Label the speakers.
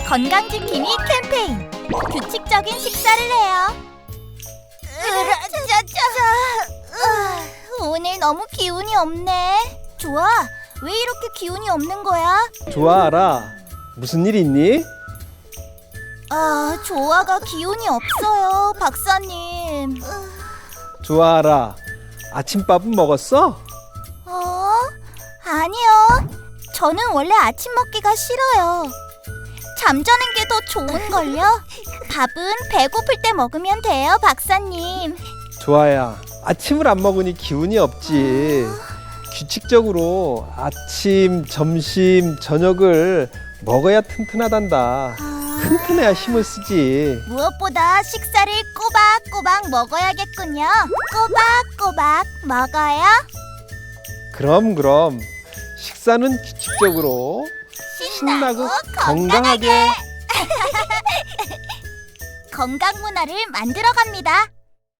Speaker 1: 건강지킴이 캠페인. 규칙적인 식사를 해요. 오늘 너무 기운이 없네. 좋아, 왜 이렇게 기운이 없는 거야?
Speaker 2: 좋아하라. 무슨 일 있니?
Speaker 1: 조아가 기운이 없어요, 박사님.
Speaker 2: 좋아하라. 아침밥은 먹었어?
Speaker 1: 아니요. 저는 원래 아침 먹기가 싫어요. 잠자는 게 더 좋은걸요? 밥은 배고플 때 먹으면 돼요, 박사님.
Speaker 2: 좋아야. 아침을 안 먹으니 기운이 없지. 규칙적으로 아침, 점심, 저녁을 먹어야 튼튼하단다. 튼튼해야 힘을 쓰지.
Speaker 1: 무엇보다 식사를 꼬박꼬박 먹어야겠군요. 꼬박꼬박 먹어요.
Speaker 2: 그럼 식사는 규칙적으로 신나고 건강하게.
Speaker 1: 건강 문화를 만들어 갑니다.